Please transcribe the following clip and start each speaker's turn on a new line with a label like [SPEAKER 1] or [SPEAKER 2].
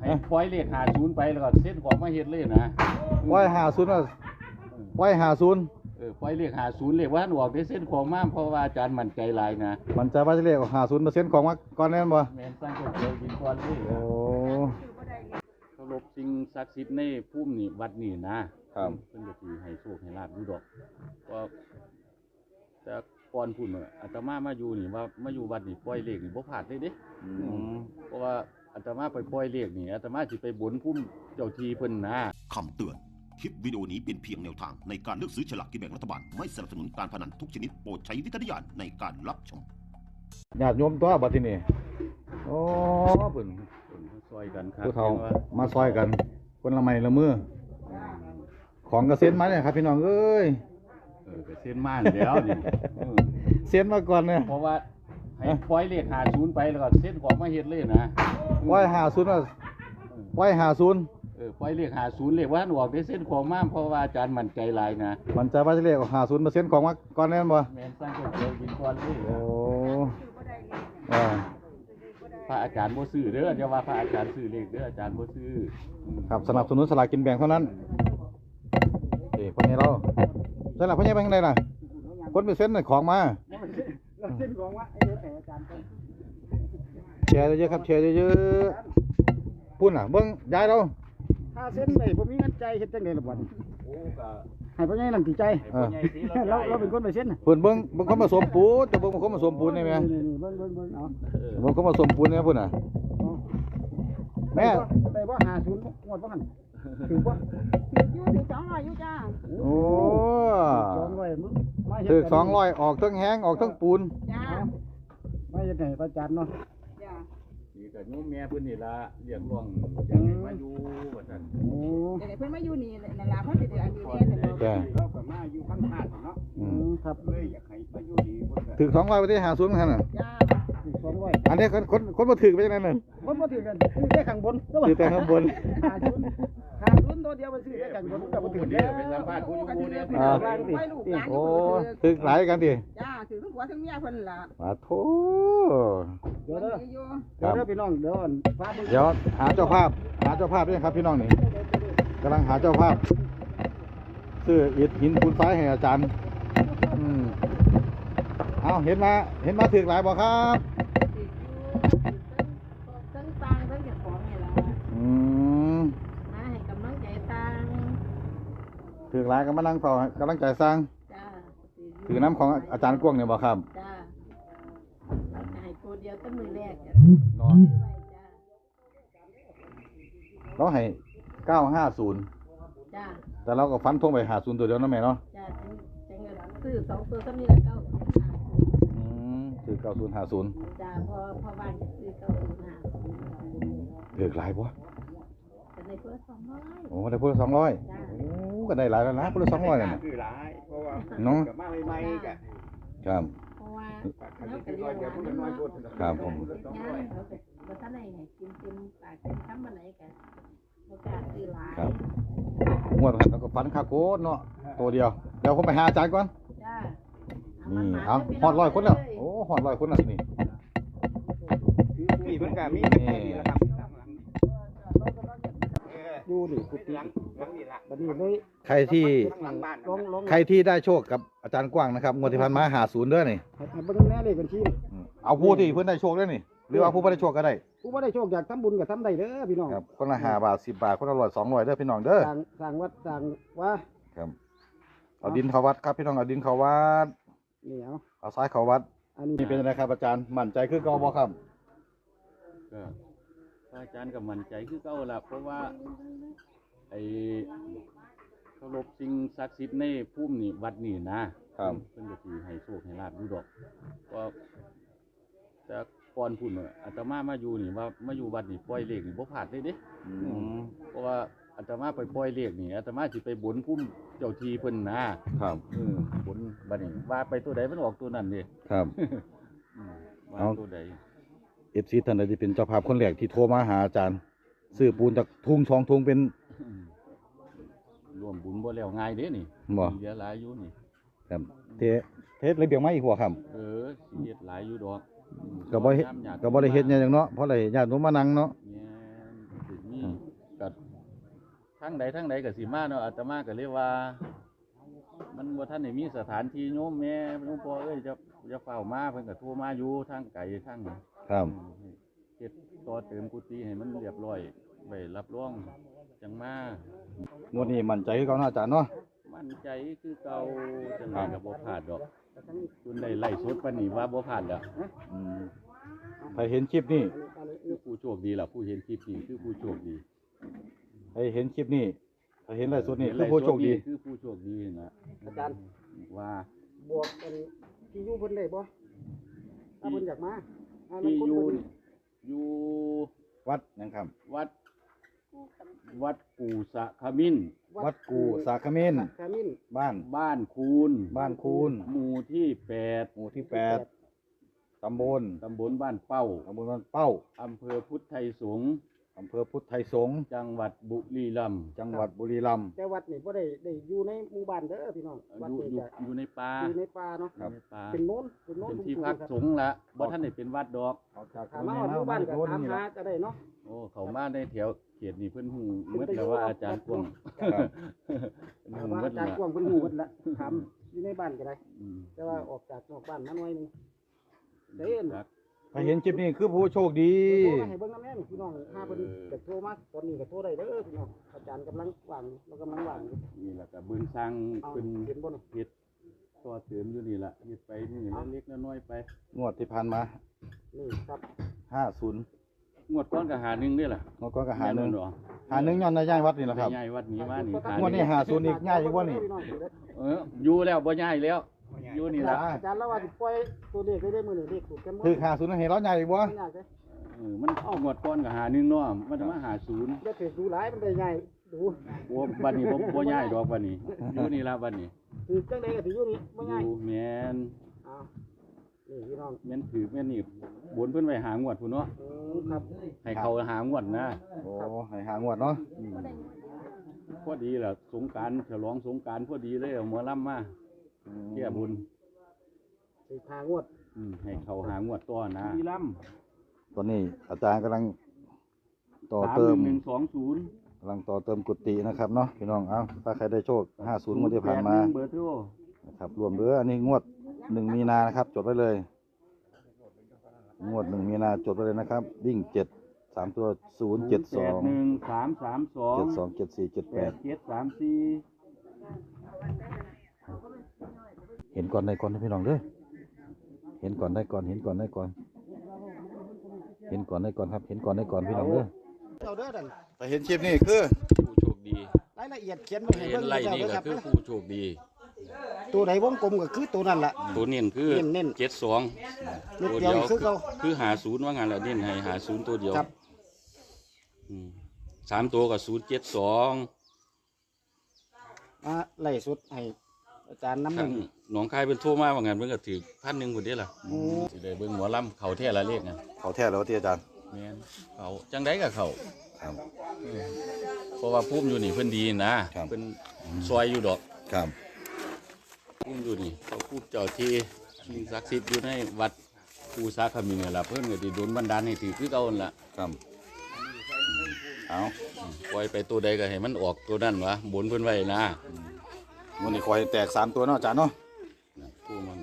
[SPEAKER 1] ปล่อยเลข50ไปแล้วก็เส้นของมาเฮ็ดเลยนะ
[SPEAKER 2] ปล่อย50ว่าปล่อย50
[SPEAKER 1] ปล่อยเลข50เลขว่าออกได้เส้นของมาเพราะว่าอาจารย์มั่นใจหลายนะ
[SPEAKER 2] มันจะว่าจะเลข50%ของมาก่อนแน่นบ่
[SPEAKER 1] แม่นสร้างก๋วยเตี๋ยวกินก่อนเลย
[SPEAKER 2] โอ้
[SPEAKER 1] เคารพสิ่งศักดิ์สิทธิ์ในภูมินี่วัดนี่นะครับเพิ่นก็สิให้โชคให้ลาภอยู่ดอกก็แต่ก่อนพุ่นอาตมามาอยู่นี่ว่ามาอยู่วัดนี่ปล่อยเลขนี่บ่พลาดเลยเด้เพราะว่าอาตมาไปปล่อยเลขนี่อาตมาสิไปบนภูมิเจ้าที่เพิ่นนะ
[SPEAKER 3] คำเตือนคลิปวิดีโอนี้เป็นเพียงแนวทางในการเลือกซื้อฉลากกินแบ่งรัฐบาลไม่สนับสนุนการพนันทุกชนิดโปรดใช้วิจารณญาณในการรับชม
[SPEAKER 2] ญาติโยมตัวบัดทีนี้โอ้เพิ่น
[SPEAKER 1] ซอยกันครับ
[SPEAKER 2] ผู้เฒ่ามาซอยกันคนละไม้ละมือของกระเซ็นมาเนี่ยครับพี่น้องเอ้ย
[SPEAKER 1] กระเซ็นมาแล้วนี่
[SPEAKER 2] เซ็นมาก่อนเนี่ย
[SPEAKER 1] เพราะว่าให้ปล่อยเลข50ไปแล้วก็เส้นของมาเฮ็ดเลยนะ
[SPEAKER 2] ปล่อย50ว่าปล่อย50
[SPEAKER 1] ปล่อยเลข50เลขว่าออกได้เส้นของมาเพราะว่าอาจารย์มั่นใจหลายนะ
[SPEAKER 2] มันจะว่าจะเลข50%ของมาก่อนแน่นบ่
[SPEAKER 1] แม่นสร้างก๋วยเตี๋ยวกินก่อนเลย
[SPEAKER 2] โอ้
[SPEAKER 1] พระอาจารย์บ่ซื้อเด้ออย่าว่าพระอาจารย์ซื้อเลขเด้ออาจารย์บ่ซื้อ
[SPEAKER 2] ครับสนับสนุนสลากกินแบ่งเท่านั้นคนนี้เราใช่ล่ะพ่อใหญ่ไปทางใดล่ะคนไปเซ็นของมา
[SPEAKER 4] เส้นของว่าไอ้อาจารย์
[SPEAKER 2] แชร์เยอะครับแชร์เยอะๆพุ่นเบิ่งยายเรา
[SPEAKER 4] ถ้าเส้นไหนผมมีเงินใจเฮ็ดจังได๋ล่ะบ่ให้พ่อใหญ่นั่นสิใจเราเป็นคนไปเส้น
[SPEAKER 2] เพิ่นเบิ่งคนผสมปูนจะเบิ่งคนผสมปูนได้มั้ย
[SPEAKER 4] นี่เบิ่งเอา
[SPEAKER 2] เบิ่งคนผสมปูนเนี่ยพุ่นแม่
[SPEAKER 4] ได้บ่50งวดบ่หั่นถือบ่อยู่200อยู่จ้า
[SPEAKER 2] โอ้
[SPEAKER 4] 200มาเฮ็ด
[SPEAKER 2] ถึก200ออกทั้งแห้งออกทั้งปูน
[SPEAKER 4] จ้ามาเฮ็ดให้อาจารย์เนาะ
[SPEAKER 1] จ้านี่ก็โยมแม่เพิ่นนี่ล่ะเรียกร้องอยากให้มาอยู่ว่าซั่น
[SPEAKER 4] โอ้
[SPEAKER 5] เดี๋ยวเพิ่นมาอยู่นี่นั่นล่ะเพิ่นสิได้อันนี้แน่แต่
[SPEAKER 4] เราก็มาอยู่ข้างหน้าเนาะครับเลยอยากให้มาอยู่ดีเพิ่น
[SPEAKER 2] ถึก200ไปที่50คั่นน่ะ
[SPEAKER 5] จ้า
[SPEAKER 4] ถึก200
[SPEAKER 2] อันนี้คนบ่ถึกไปจังได๋นั่น
[SPEAKER 4] คนบ่ถึกกันซื้อแต่ข้างบน
[SPEAKER 2] ซื้อแต่ข้างบน
[SPEAKER 4] 50ตัวเดียวมันซื้อแต่ข้างบนก็บ่ถึกเด้อ
[SPEAKER 1] ไปสัมภาษณ์ผู้อยู่เนี่ย
[SPEAKER 2] โอ้ถึกหลายกันติ
[SPEAKER 5] จ้าถือทั้งผัวทั้งเมียเพิ่นล่ะ
[SPEAKER 2] สาธุ
[SPEAKER 4] เดี๋ยวพี่น้องเดี๋
[SPEAKER 2] ยวหาเจ้าภาพด้วยครับพี่น้องนี่กำลังหาเจ้าภาพซื้ออิฐหินปูนทรายให้อาจารย์เอาเห็นมาถึกหลายบ่ครับ
[SPEAKER 5] ทั้งตังทั้งเก็บของนี่ล่ะมาให้กำลังใจตัง
[SPEAKER 2] ถึกหลายก็มานั่งต่อกำลังใจสร้าง
[SPEAKER 5] จ้า
[SPEAKER 2] ถือน้ำของอาจารย์กวงเนี่ยบ่ครับ
[SPEAKER 5] จ้าให้ตัวเดียวตั้งมือแรก
[SPEAKER 2] นอนเราให้950
[SPEAKER 5] จ้า
[SPEAKER 2] แต่เราก็ฟันธงไป50ตัวเดียวนั่นแม่เนาะ
[SPEAKER 5] จ้าจังซื้อ2ตัวซ้ำนี่ละ
[SPEAKER 2] ซื้อ9050
[SPEAKER 5] จ้าพอบ้านจะซื้อ
[SPEAKER 2] 9050เลือกหลายบ่
[SPEAKER 5] ก็ได้เพิ่น200
[SPEAKER 2] โอ้ได้เพิ่น200โอ้ก็ได้หลายแล้วนะเพิ่น200นั่นน่ะ
[SPEAKER 4] คือหลายเพราะว่า
[SPEAKER 2] เนาะ
[SPEAKER 4] ก็มาใหม่ๆก็
[SPEAKER 2] ครับ
[SPEAKER 5] เพราะว่าแล้วก็เรียกว่าน้อยๆ
[SPEAKER 2] ครับผม
[SPEAKER 5] บ่ทันได้ให้กินเต็มปากเต็มคำบ่ไหนก็บ่กล้าซื้อหลาย
[SPEAKER 2] ครับงวดผ่านแล้วก็ฟันคาโกเนาะตัวเดียวเดี๋ยวผมไปหาอาจารย์ก่อน
[SPEAKER 5] จ้า
[SPEAKER 2] นี่เอาฮอด100คนแล้วโอ้ฮอด100คนแล้วนี่
[SPEAKER 4] เพิ่นก็มีแค่นี้ล่ะครับอยู่นี่กุฏิบัดนี้เลย
[SPEAKER 2] ใครที่ได้โชคกับอาจารย์กว้างนะครับงวดที่ผ่านมา50เด้อนี่
[SPEAKER 4] เบิ่งแน่เลขบัญชี
[SPEAKER 2] เอาผู้ที่เพิ่นได้โชคเด้อนี่หรือว่าผู้บ่ได้โชคก็ได้
[SPEAKER 4] ผู้บ่ได้โชคอยากทำบุญก็ทำได้เด้อพี่น้อง
[SPEAKER 2] ครับคนละ5 บาท10 บาทคนละ100 200เด้อพี่น้องเด้อ
[SPEAKER 4] สร้างวัดสร้างว่า
[SPEAKER 2] ครับเอาดินเข้าวัดครับพี่น้องเอาดินเข้าวัด
[SPEAKER 4] นี่
[SPEAKER 2] เอาทรายเข้าวัดอันนี้เป็นอะไรครับอาจารย์มั่นใจคือเก่าบ่ครับ
[SPEAKER 1] ก็อาจารย์ก็มั่นใจคือเก่าล่ะเพราะว่าไอ้เคารพสิ่งศักดิ์สิทธิ์ในภูมินี่วัดนี่นะครับเพิ่นก็สิให้โชคให้ลาภอยู่ดอกก็แต่ก่อนพุ่นอาตมามาอยู่นี่ว่ามาอยู่วัดนี่ปล่อยเลขนี่บ่พลาดเลยเด้เพราะว่าอาตมาไปปล่อยเลขนี่อาตมาสิไปบนภูมิเจ้าที่เพิ่น
[SPEAKER 2] นะครับ
[SPEAKER 1] บนบัดนี้ว่าไปตัวใดมันออกตัวนั้นเด้
[SPEAKER 2] ครับ
[SPEAKER 1] ว่าตัวใด
[SPEAKER 2] FC ท่านใดที่เป็นเจ้าภาพคนแรกที่โทรมาหาอาจารย์ซื้อปูนจากทุ่ง2 ทุ่งเป็น
[SPEAKER 1] ร่วมบุญบ่แล้วง่ายเด้นี่
[SPEAKER 2] บ่
[SPEAKER 1] เหลือหลายอยู่นี่
[SPEAKER 2] ครับเทศระเบียงมาอีกหัวครับ
[SPEAKER 1] สิเฮ็ดหลายอยู่ดอก
[SPEAKER 2] ก็บ่ได้เฮ็ดหยังเนาะเพราะอะไรญาติโยมมานั่งเนาะ
[SPEAKER 1] มีกับทั้งใดก็สิมาเนาะอาตมาก็เลยว่า มันบ่ทันได้มีสถานที่โยมแม่หลวงพ่อจะเฝ้ามาเพิ่นก็โทรมาอยู่ทางไกลทาง
[SPEAKER 2] ครับ
[SPEAKER 1] เฮ็ดต่อเติมกุฏิให้มันเรียบร้อยไว้รับรองจังมาง
[SPEAKER 2] วดนี้มั่นใจคือเก่าเนาะอาจารย์เนาะ
[SPEAKER 1] มั่นใจคือเก่าจังไดก็บ่พลาดดอกคุณได้ไล่สดปานนี้ว่าบ่พลาดแล้ว
[SPEAKER 2] อืมใครเห็นคลิปนี้
[SPEAKER 1] คือผู้โชคดีล่ะผู้เห็นคลิปนี้คือผู้โชคดี
[SPEAKER 2] ใครเห็นคลิปนี้ใครเห็นไลฟ์สดนี่คือผู้โชคดี
[SPEAKER 1] คือผู้โชคดีนะ
[SPEAKER 4] อาจารย์
[SPEAKER 1] ว่า
[SPEAKER 4] บวกกันที่อยู่เพิ่นได้บ่ถ้าเพิ่นอยากมาถ้ามัน
[SPEAKER 1] ที่
[SPEAKER 4] คน
[SPEAKER 1] อยู่
[SPEAKER 4] เพิ่น
[SPEAKER 1] อยู่
[SPEAKER 2] วัดนะครับ
[SPEAKER 1] วัดกูสะขมิ้น
[SPEAKER 2] วัดกูสาคเมน
[SPEAKER 4] ขมิ้น
[SPEAKER 2] บ้าน
[SPEAKER 1] บ้านคูน
[SPEAKER 2] บ้านคูน
[SPEAKER 1] หมู่ที่
[SPEAKER 2] หมู่ที่8ตำบล
[SPEAKER 1] 8ตำบลบ้านเป้า
[SPEAKER 2] บ้านเป้า
[SPEAKER 1] อำเภอพุทธไทยสงฆ์
[SPEAKER 2] อำเภอพุทธไทยสงฆ์
[SPEAKER 1] จังหวัดบุรีรัมย์
[SPEAKER 2] จังหวัดบุรีรัมย์
[SPEAKER 4] แต่วัดนี่บ่ได้อยู่ในหมู่บ้านเด้อพี่น้องวัด
[SPEAKER 1] อยู่
[SPEAKER 4] นี่
[SPEAKER 1] อยู่
[SPEAKER 4] จะ
[SPEAKER 1] อยู่ในป่า
[SPEAKER 4] อยู่ในป่าเนาะ
[SPEAKER 1] อยู่ในป่า
[SPEAKER 4] เป็นโน้น
[SPEAKER 1] เป็นที่พักสงฆ์ละบ่ท่านได้เป็นวัดดอก
[SPEAKER 2] ออกจาก
[SPEAKER 4] ถามมาว่าหมู่บ้านก็ถามหาจะได้เนาะ
[SPEAKER 1] โอ้เขามาในแถวเขตนี่เพิ่นหูเมื่อแต่ว่าอาจารย์กวง
[SPEAKER 2] ครับ
[SPEAKER 1] เพิ่น
[SPEAKER 4] ถาม
[SPEAKER 1] หู
[SPEAKER 4] ว่า
[SPEAKER 1] เมื่อ
[SPEAKER 4] อาจารย์
[SPEAKER 1] ละ
[SPEAKER 4] กวางเพิ่นฮู้เบิดละถามอยู่ในบ้านก็ได้
[SPEAKER 1] อืม
[SPEAKER 4] แต่ว่าออกจากนอกบ้านมาหน่อยหนึงเด้น
[SPEAKER 1] จัก
[SPEAKER 2] ใครเห็นคลิปนี้คือผู้โชคดี
[SPEAKER 4] โทรมาให้เบิ่งนำแม่นพี่น้องถ้าเพิ่นจะโทรมาตอนนี้ก็โทรได้เด้อพี่น้องอาจารย์กำลังว่างอยู่เรากำลังว่างอยู่
[SPEAKER 1] นี่แหละก็เบิ่งสร้าง
[SPEAKER 4] เอา
[SPEAKER 1] เพิ่น
[SPEAKER 4] เห็นบ่นี่
[SPEAKER 1] เฮ็ดต่อเติมอยู่นี่ล่ะเฮ็ดไปนี่เล็กๆน้อยๆไป
[SPEAKER 2] งวดที่ผ่านมา
[SPEAKER 4] นี่ครับ
[SPEAKER 2] 50
[SPEAKER 1] งวดก้อนก็หาหนึ่งนี่ล่ะ
[SPEAKER 2] งวดก็หาหนึ่ง
[SPEAKER 1] แม่นบ่
[SPEAKER 2] หาหนึ่งย้อนในย่ายวัดนี่แหละครับ
[SPEAKER 1] ไปย้ายวัดนี้มานี่
[SPEAKER 2] งวดนี้50อีกย้ายอีกบ่นี่
[SPEAKER 4] พี่น้องเด้อ
[SPEAKER 1] อยู่แล้วบ่ย้ายแล้ว อยู่นี่ล่ะ
[SPEAKER 4] อาจารย์แล้วว่าสิปล่อยตัวเลขได้มื้อนี้เลขถูกกันหมด
[SPEAKER 2] คือ50เห็นร้อยย้ายอีกบ่
[SPEAKER 4] ไม่ยากเด้อ
[SPEAKER 1] มันเอางวดก้อนก็หาหนึ่งเนาะมันจะมาหาศูนย์
[SPEAKER 4] อย่าถือดูหลายมันได้ง่ายดู
[SPEAKER 1] โอ้บัดนี้บ่ย้ายดอกบัดนี้อยู่นี่ล่ะบัดนี้
[SPEAKER 4] ถือจังไดก็ถืออยู่นี่บ่
[SPEAKER 1] อ
[SPEAKER 4] ง่าย
[SPEAKER 1] ยู่แม่น
[SPEAKER 4] อ้าวนี่พี่น้อง
[SPEAKER 1] แม่นถือแม่นนี่บนเพิ่นไว้หางวดพุ่นเนาะ
[SPEAKER 4] ครับ
[SPEAKER 1] ให้เขาหางวดนะ
[SPEAKER 2] โอ้ให้หางวดเนาะ
[SPEAKER 1] พอดีล่ะสงกรานต์ฉลองสงกรานต์พอดีเลยเอาหมอลำมาแก้บุญ
[SPEAKER 4] สิพางวด
[SPEAKER 1] ให้เขาหางวดต่อนะบุรีรัมย์
[SPEAKER 2] ตอนนี้อาจารย์กำลังต่อเติม
[SPEAKER 1] 31120
[SPEAKER 2] กำลังต่อเติมกุฏินะครับเนาะพี่น้อง เอาถ้าใครได้โชค 50งวดที่ผ่านมา
[SPEAKER 1] เบอร์โทร
[SPEAKER 2] นะครับรวมเหลืออันนี้งวด 1 มีนานะครับ จดไว้เลย งวด 1 มีนาจดไว้เลยนะครับ วิ่ง 7 3 ตัว 0 7 2
[SPEAKER 1] 332
[SPEAKER 2] 7 2 7 4 7 8
[SPEAKER 1] 8734
[SPEAKER 2] เห็นก่อนได้ก่อนนะพี่น้องเด้อเห็นก่อนได้ก่อน เห็นก่อนได้ก่อน เห็นก่อนได้ก่อนครับ เห็นก่อนได้ก่อนพี่น้องเด้อ
[SPEAKER 4] เอาเด้อดัน
[SPEAKER 2] แต่เห็นคลิปนี่คือ
[SPEAKER 1] ผู้โชคดี
[SPEAKER 4] รายละเอียดเขียนไว้ให้
[SPEAKER 1] เห็
[SPEAKER 4] เบิ่
[SPEAKER 1] น
[SPEAKER 4] ง
[SPEAKER 1] ไล่
[SPEAKER 4] เจ้า
[SPEAKER 1] นี่
[SPEAKER 4] เด้อ
[SPEAKER 1] ก็
[SPEAKER 4] ครับ
[SPEAKER 1] คือผู้โชคดี
[SPEAKER 4] ตัวใดวงกลมก็คือตัวนั้นล่ะ
[SPEAKER 1] ตัวเน้นคือ
[SPEAKER 4] เน้น
[SPEAKER 1] 72
[SPEAKER 4] นิด
[SPEAKER 1] ตัว
[SPEAKER 4] เดียวคือเขา
[SPEAKER 1] คือหาศูนย์ว่างั้นแหละเน้นให้หาศูนย์ตัวเดียว
[SPEAKER 4] ครับ
[SPEAKER 1] 3ตัวกับ072
[SPEAKER 4] มาไล่สุดให้อาจารย์น้ำห
[SPEAKER 1] ทั้
[SPEAKER 4] นึ่
[SPEAKER 1] ง
[SPEAKER 4] ง
[SPEAKER 1] หนองคายเป็นทั่วมาว่างั้นเพิ่นก็ถือ1,000พุ่นเด้ล่ะสิได้เบิ่งหมอลำเขาแท้ละเลขน่ะ
[SPEAKER 2] เขาแท้แล้วที่อาจารย์
[SPEAKER 1] แม่นเขาจังได๋ก็เขา
[SPEAKER 2] ครับ
[SPEAKER 1] เพราะว่าภูมิอยู่นี่เพิ่นดีนะครับ เพิ่นซอยอยู่ดอก
[SPEAKER 2] ครับ
[SPEAKER 1] ภูมิอยู่นี่เขาภูมิเจ้าที่สิ่งศักดิ์สิทธิ์อยู่ในวัดภูสาขมินนี่ล่ะเพิ่นก็สิโดนบันดาลให้ถือคือเก่านั่นล่ะ
[SPEAKER 2] ครับเอา
[SPEAKER 1] ปล่อยไปตัวใดก็ให้มันออกตัวนั้นวะบนเพิ่นไว้นะ
[SPEAKER 2] วันนี้คอยแตก3ตัวเนาะอาจารย์เนาะ
[SPEAKER 1] ผู้มัน